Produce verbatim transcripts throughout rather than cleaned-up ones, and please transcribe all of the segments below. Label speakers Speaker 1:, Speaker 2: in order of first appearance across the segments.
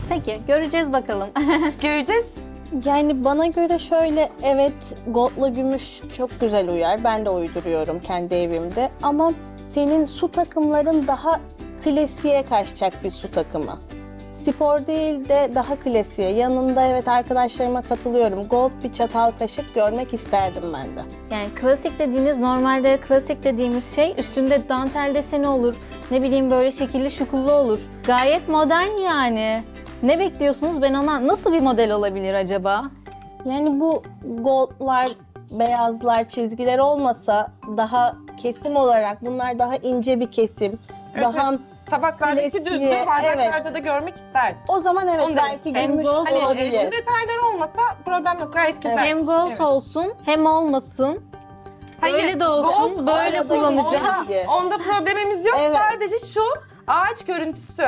Speaker 1: Peki, göreceğiz bakalım.
Speaker 2: Göreceğiz.
Speaker 3: Yani bana göre şöyle, evet goldla gümüş çok güzel uyar. Ben de uyduruyorum kendi evimde. Ama senin su takımların daha klasiğe kaçacak bir su takımı. Spor değil de daha klasiğe. Yanında evet arkadaşlarıma katılıyorum. Gold bir çatal kaşık görmek isterdim ben de.
Speaker 1: Yani klasik dediğiniz, normalde klasik dediğimiz şey üstünde dantel deseni olur. Ne bileyim böyle şekilli şukullu olur. Gayet modern yani. Ne bekliyorsunuz? Ben ona nasıl bir model olabilir acaba?
Speaker 3: Yani bu goldlar, beyazlar, çizgiler olmasa daha kesim olarak bunlar daha ince bir kesim.
Speaker 2: Evet,
Speaker 3: daha
Speaker 2: evet. Tabaklardaki
Speaker 3: klasiğe,
Speaker 2: düzdür, bardaklarda
Speaker 3: evet.
Speaker 2: da görmek isterdik.
Speaker 3: O zaman evet
Speaker 2: Onu demek
Speaker 3: belki
Speaker 2: istedim.
Speaker 3: gümüş
Speaker 1: Gold
Speaker 2: Hani e,
Speaker 3: olabilir.
Speaker 2: şu detaylar olmasa problem yok, gayet güzel.
Speaker 1: Hem gold
Speaker 2: Evet.
Speaker 1: olsun hem olmasın.
Speaker 2: Hayır,
Speaker 1: Böyle de olsun,
Speaker 2: gold,
Speaker 1: böyle
Speaker 2: onda-
Speaker 1: kullanacağım.
Speaker 2: Onda, onda problemimiz yok.
Speaker 3: Evet.
Speaker 2: Sadece şu ağaç görüntüsü.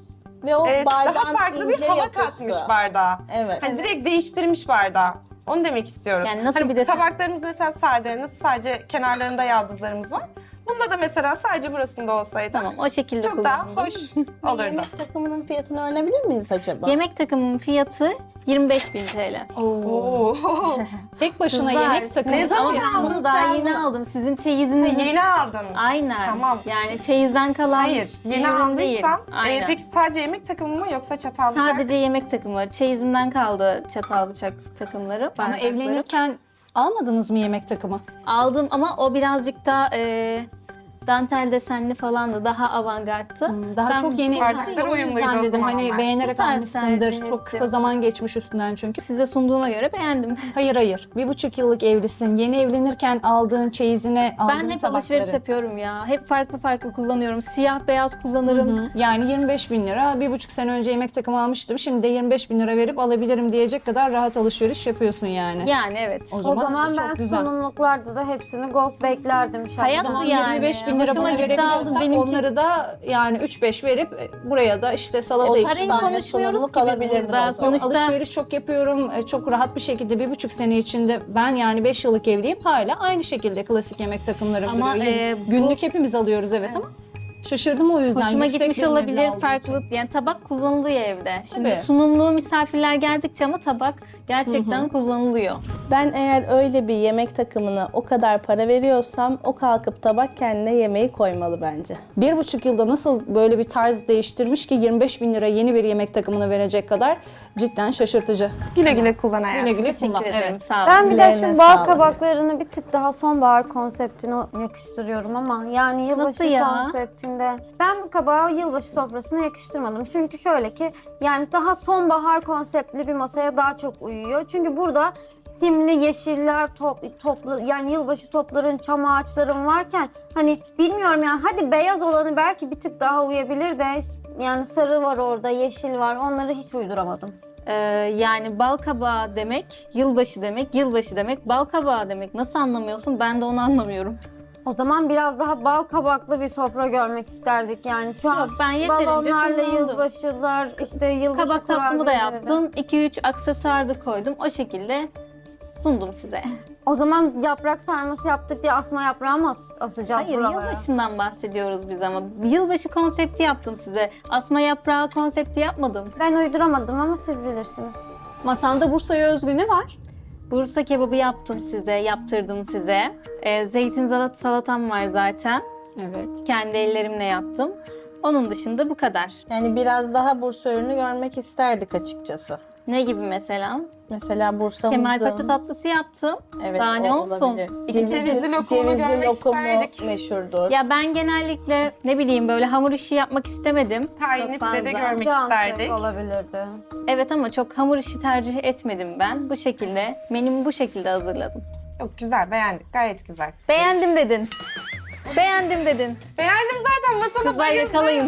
Speaker 3: Ve o
Speaker 2: Ee,
Speaker 3: bardağın
Speaker 2: daha farklı bir
Speaker 3: ince
Speaker 2: hava
Speaker 3: yapısı.
Speaker 2: katmış bardağa.
Speaker 3: Evet.
Speaker 2: Hani direkt değiştirmiş bardağı. Onu demek istiyoruz.
Speaker 1: Yani nasıl
Speaker 2: Hani
Speaker 1: bir desen?
Speaker 2: tabaklarımız mesela sade, nasıl sadece kenarlarında yaldızlarımız var. Bunda da mesela sadece burasında olsaydı
Speaker 1: Tamam, o şekilde
Speaker 2: çok daha
Speaker 1: kullanalım.
Speaker 2: hoş olurdu.
Speaker 3: Yemek takımının fiyatını öğrenebilir miyiz acaba?
Speaker 1: Yemek takımının fiyatı yirmi beş bin T L.
Speaker 2: Oo.
Speaker 4: Tek başına
Speaker 1: Kızlar,
Speaker 4: yemek
Speaker 1: siz-
Speaker 4: takımı.
Speaker 2: Ne zaman
Speaker 1: Ama ben
Speaker 2: aldın
Speaker 1: bunu daha
Speaker 2: sen
Speaker 1: yeni
Speaker 2: bunu?
Speaker 1: aldım. Sizin çeyiziniz.
Speaker 2: Yeni aldın.
Speaker 1: Aynen.
Speaker 2: Tamam.
Speaker 1: Yani çeyizden kalan
Speaker 2: Hayır, yeni
Speaker 1: bir ürün değil.
Speaker 2: aldıysan e,
Speaker 1: Aynen.
Speaker 2: peki sadece yemek takımı mı yoksa çatal bıçak?
Speaker 1: Sadece yemek takımı. Çeyizimden kaldı çatal bıçak takımları.
Speaker 4: Ama
Speaker 1: bardakları.
Speaker 4: evlenirken almadınız mı yemek takımı?
Speaker 1: Aldım ama o birazcık daha e, dantel desenli falan da daha avantgardtı.
Speaker 4: Daha
Speaker 1: Ben
Speaker 4: çok yeni
Speaker 2: Bardaklar
Speaker 4: evlisin. O
Speaker 2: uyumluydu
Speaker 4: yüzden
Speaker 2: o
Speaker 4: dedim
Speaker 2: zaman
Speaker 4: hani
Speaker 2: onlar.
Speaker 4: beğenerek
Speaker 1: Bu tarz
Speaker 4: almışsındır.
Speaker 1: tercih
Speaker 4: Çok kısa
Speaker 1: ettim.
Speaker 4: zaman geçmiş üstünden çünkü.
Speaker 1: Size sunduğuma göre beğendim.
Speaker 4: Hayır hayır. Bir buçuk yıllık evlisin. Yeni evlenirken aldığın çeyizine aldığın
Speaker 1: Ben hep
Speaker 4: tabakları.
Speaker 1: alışveriş yapıyorum ya. Hep farklı farklı kullanıyorum. Siyah beyaz kullanırım.
Speaker 4: Hı. Yani yirmi beş bin lira. Bir buçuk sene önce yemek takımı almıştım. Şimdi de yirmi beş bin lira verip alabilirim diyecek kadar rahat alışveriş yapıyorsun yani.
Speaker 1: Yani evet.
Speaker 4: O
Speaker 5: O
Speaker 4: zaman,
Speaker 5: zaman
Speaker 4: çok
Speaker 5: ben
Speaker 4: güzel.
Speaker 5: sunumluklarda da hepsini gold beklerdim şahsen.
Speaker 1: Hayat
Speaker 4: O zaman
Speaker 1: bu yani.
Speaker 4: yirmi beş bin lira
Speaker 1: Hoşuma
Speaker 4: bana
Speaker 1: gitti,
Speaker 4: verebiliyorsak
Speaker 1: aldım. Benimki-
Speaker 4: onları da yani üç beş verip e, buraya da işte salata
Speaker 3: O
Speaker 4: için
Speaker 3: parayı
Speaker 1: Parayı
Speaker 3: tane
Speaker 1: konuşmuyoruz
Speaker 3: sunumluk
Speaker 1: ki biz
Speaker 3: alabilirdin
Speaker 1: burada.
Speaker 3: o zaman.
Speaker 1: Sonuçta
Speaker 4: alışveriş çok yapıyorum. E, Çok rahat bir şekilde bir buçuk sene içinde ben yani beş yıllık evliyim. Hala aynı şekilde klasik yemek takımlarım
Speaker 1: Ama,
Speaker 4: duruyor. Yeni-
Speaker 1: e, bu-
Speaker 4: Günlük hepimiz alıyoruz evet, ama şaşırdım o yüzden.
Speaker 1: hoşuma
Speaker 4: Yüksek
Speaker 1: gitmiş
Speaker 4: bir meblağ
Speaker 1: olabilir
Speaker 4: olduğu
Speaker 1: farklı.
Speaker 4: için.
Speaker 1: Yani tabak kullanılıyor evde. Şimdi
Speaker 4: Tabii.
Speaker 1: sunumluğu misafirler geldikçe ama tabak gerçekten kullanılıyor.
Speaker 3: Ben eğer öyle bir yemek takımına o kadar para veriyorsam o kalkıp tabak kendine yemeği koymalı bence.
Speaker 4: Bir buçuk yılda nasıl böyle bir tarz değiştirmiş ki yirmi beş bin lira yeni bir yemek takımına verecek kadar cidden şaşırtıcı.
Speaker 2: Güle güle kullan hayatım.
Speaker 4: Güle güle
Speaker 1: Teşekkür
Speaker 4: kullan.
Speaker 1: ederim.
Speaker 4: Evet.
Speaker 1: Sağ olun.
Speaker 5: Ben bir de
Speaker 3: Ellerine
Speaker 5: şu bal
Speaker 3: sağlık.
Speaker 5: kabaklarını bir tık daha sonbahar konseptine yakıştırıyorum ama yani yılbaşı
Speaker 1: Nasıl ya?
Speaker 5: konseptinde ben bu kabağı yılbaşı sofrasına yakıştırmadım. Çünkü şöyle ki yani daha sonbahar konseptli bir masaya daha çok uyuyor. Çünkü burada simli yeşiller top, toplu yani yılbaşı topların, çam ağaçların varken hani bilmiyorum yani hadi beyaz olanı belki bir tık daha uyabilir de yani sarı var orada, yeşil var, onları hiç uyduramadım.
Speaker 1: Ee, yani bal kabağı demek, yılbaşı demek, yılbaşı demek, bal kabağı demek. Nasıl anlamıyorsun? Ben de onu anlamıyorum.
Speaker 5: O zaman biraz daha bal kabaklı bir sofra görmek isterdik yani. Şu an
Speaker 1: Yok, ben yeterince
Speaker 5: balonlarla
Speaker 1: kullandım.
Speaker 5: yılbaşılar, işte yılbaşı
Speaker 1: Kabak tatlımı da
Speaker 5: kurabiyeleri.
Speaker 1: yaptım. iki üç aksesuar da koydum. O şekilde sundum size.
Speaker 5: O zaman yaprak sarması yaptık diye asma yaprağı mı as asacağız
Speaker 1: Hayır,
Speaker 5: buralara?
Speaker 1: yılbaşından bahsediyoruz biz ama. Yılbaşı konsepti yaptım size. Asma yaprağı konsepti yapmadım.
Speaker 5: Ben uyduramadım ama siz bilirsiniz.
Speaker 4: Masanda Bursa'ya özgü ne var?
Speaker 1: Bursa kebabı yaptım size, yaptırdım size. Ee, zeytin salat salatam var zaten.
Speaker 4: Evet.
Speaker 1: Kendi ellerimle yaptım. Onun dışında bu kadar.
Speaker 3: Yani biraz daha Bursa ürünü görmek isterdik açıkçası.
Speaker 1: Ne gibi mesela?
Speaker 3: Mesela Bursa'mızın...
Speaker 1: Kemalpaşa tatlısı yaptım.
Speaker 3: Evet,
Speaker 1: Daha ne
Speaker 3: o
Speaker 1: olsun?
Speaker 3: olabilir.
Speaker 1: İki
Speaker 2: cevizli lokumunu
Speaker 3: cevizli
Speaker 2: görmek
Speaker 3: lokumu
Speaker 2: isterdik.
Speaker 3: meşhurdur.
Speaker 1: Ya ben genellikle ne bileyim böyle hamur işi yapmak istemedim.
Speaker 2: Tahinli
Speaker 1: Çok fazla.
Speaker 2: pide de görmek
Speaker 5: Can
Speaker 2: isterdik.
Speaker 5: sevk olabilirdi.
Speaker 1: Evet ama çok hamur işi tercih etmedim ben. Bu şekilde, menümü bu şekilde hazırladım.
Speaker 2: Çok güzel, beğendik. Gayet güzel.
Speaker 1: Beğendim dedin. Beğendim dedin.
Speaker 2: Beğendim zaten, masana
Speaker 1: Kızlar
Speaker 2: bayıldım.
Speaker 1: yakalayın.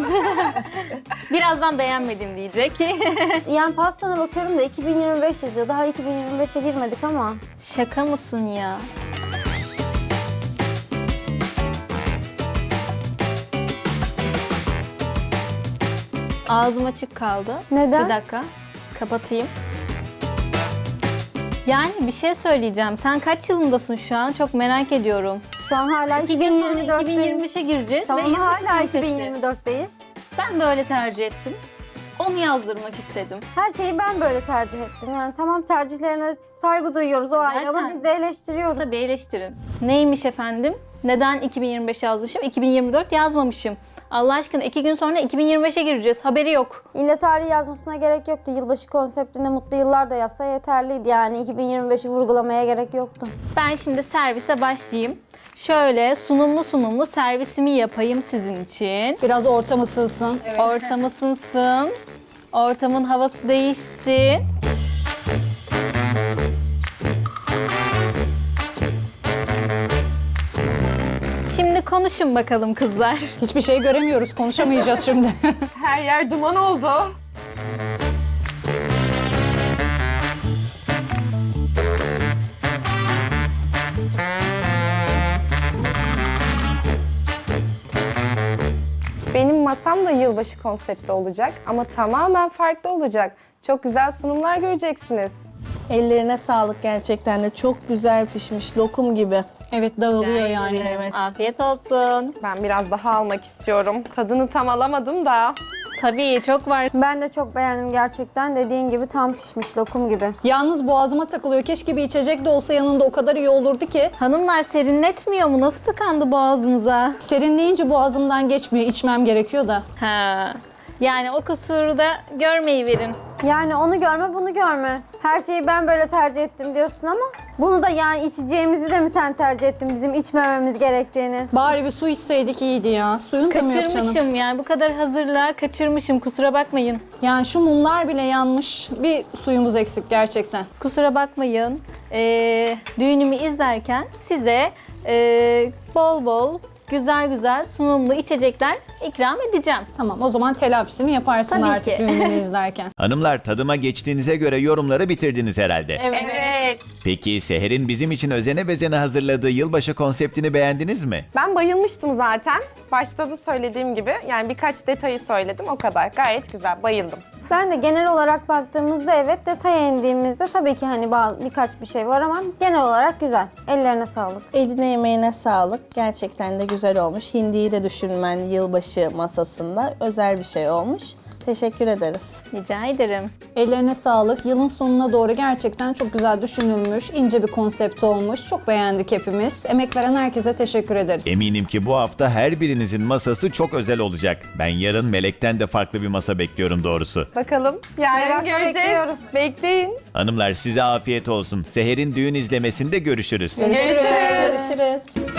Speaker 1: Birazdan beğenmedim diyecek.
Speaker 5: Yani pastana bakıyorum da iki bin yirmi beş yazıyor. Daha iki bin yirmi beşe girmedik ama.
Speaker 1: Şaka mısın ya? Ağzım açık kaldı.
Speaker 5: Neden?
Speaker 1: Bir dakika. Kapatayım. Yani bir şey söyleyeceğim. Sen kaç yılındasın şu an? Çok merak ediyorum.
Speaker 5: Şu an hala
Speaker 1: İki gün sonra iki bin
Speaker 5: iki bin yirmi dörtteyiz.
Speaker 1: yirmi beşe gireceğiz.
Speaker 5: Tamam
Speaker 1: ve yılbaşı
Speaker 5: hala
Speaker 1: konsepti.
Speaker 5: iki bin yirmi dörtteyiz.
Speaker 1: Ben böyle tercih ettim. O onu yazdırmak istedim.
Speaker 5: Her şeyi ben böyle tercih ettim. Yani tamam, tercihlerine saygı duyuyoruz o ayrı ama
Speaker 1: Zaten.
Speaker 5: biz de eleştiriyoruz.
Speaker 1: Tabii eleştirin. Neymiş efendim? Neden iki bin yirmi beş yazmışım? iki bin yirmi dört yazmamışım. Allah aşkına iki gün sonra iki bin yirmi beşe gireceğiz. Haberi yok.
Speaker 5: İlle tarihi yazmasına gerek yoktu. Yılbaşı konseptinde mutlu yıllar da yazsa yeterliydi. Yani iki bin yirmi beşi vurgulamaya gerek yoktu.
Speaker 1: Ben şimdi servise başlayayım. Şöyle sunumlu sunumlu servisimi yapayım sizin için.
Speaker 4: Biraz ortam ısınsın.
Speaker 1: Ortam ısınsın. Ortamın havası değişsin. Şimdi konuşun bakalım kızlar.
Speaker 4: Hiçbir şey göremiyoruz, konuşamayacağız şimdi.
Speaker 2: Her yer duman oldu. Benim masam da yılbaşı konsepti olacak ama tamamen farklı olacak. Çok güzel sunumlar göreceksiniz.
Speaker 3: Ellerine sağlık, gerçekten de çok güzel pişmiş, lokum gibi.
Speaker 4: Evet, dağılıyor yani.
Speaker 3: Evet.
Speaker 1: Afiyet olsun.
Speaker 2: Ben biraz daha almak istiyorum. Tadını tam alamadım da.
Speaker 1: Tabii çok var.
Speaker 5: Ben de çok beğendim gerçekten. Dediğin gibi tam pişmiş lokum gibi.
Speaker 4: Yalnız boğazıma takılıyor. Keşke bir içecek de olsa yanında, o kadar iyi olurdu ki.
Speaker 1: Hanımlar serinletmiyor mu? Nasıl tıkandı boğazınıza?
Speaker 4: Serinleyince boğazımdan geçmiyor. İçmem gerekiyor da.
Speaker 1: Ha. Yani o kusuru da görmeyi verin.
Speaker 5: Yani onu görme, bunu görme. Her şeyi ben böyle tercih ettim diyorsun ama bunu da yani içeceğimizi de mi sen tercih ettin, bizim içmememiz gerektiğini?
Speaker 4: Bari bir su içseydik iyiydi ya. Suyun da mı yok canım?
Speaker 1: Kaçırmışım yani bu kadar hazırlığa kaçırmışım, kusura bakmayın.
Speaker 4: Yani şu mumlar bile yanmış. Bir suyumuz eksik gerçekten.
Speaker 1: Kusura bakmayın. Ee, düğünümü izlerken size ee, bol bol güzel güzel sunumlu içecekler ikram edeceğim.
Speaker 4: Tamam, o zaman telafisini yaparsın
Speaker 1: Tabii
Speaker 4: artık
Speaker 1: ki.
Speaker 4: düğününü izlerken.
Speaker 6: Hanımlar, tadıma geçtiğinize göre yorumları bitirdiniz herhalde.
Speaker 2: Evet.
Speaker 6: Peki Seher'in bizim için özene bezene hazırladığı yılbaşı konseptini beğendiniz mi?
Speaker 2: Ben bayılmıştım zaten. Başta da söylediğim gibi yani birkaç detayı söyledim o kadar. Gayet güzel, bayıldım.
Speaker 5: Ben de genel olarak baktığımızda evet, detaya indiğimizde tabii ki hani bazı, birkaç bir şey var ama genel olarak güzel. Ellerine sağlık.
Speaker 3: Eline emeğine sağlık. Gerçekten de güzel olmuş. Hindiyi de düşünmen yılbaşı masasında özel bir şey olmuş. Teşekkür ederiz.
Speaker 1: Rica ederim.
Speaker 4: Ellerine sağlık. Yılın sonuna doğru gerçekten çok güzel düşünülmüş, ince bir konsept olmuş. Çok beğendik hepimiz. Emek veren herkese teşekkür ederiz.
Speaker 6: Eminim ki bu hafta her birinizin masası çok özel olacak. Ben yarın Melek'ten de farklı bir masa bekliyorum doğrusu.
Speaker 2: Bakalım yarın
Speaker 5: Merakla
Speaker 2: göreceğiz.
Speaker 5: bekliyoruz.
Speaker 2: Bekleyin.
Speaker 6: Hanımlar, size afiyet olsun. Seher'in düğün izlemesinde görüşürüz.
Speaker 2: Görüşürüz.
Speaker 3: Görüşürüz.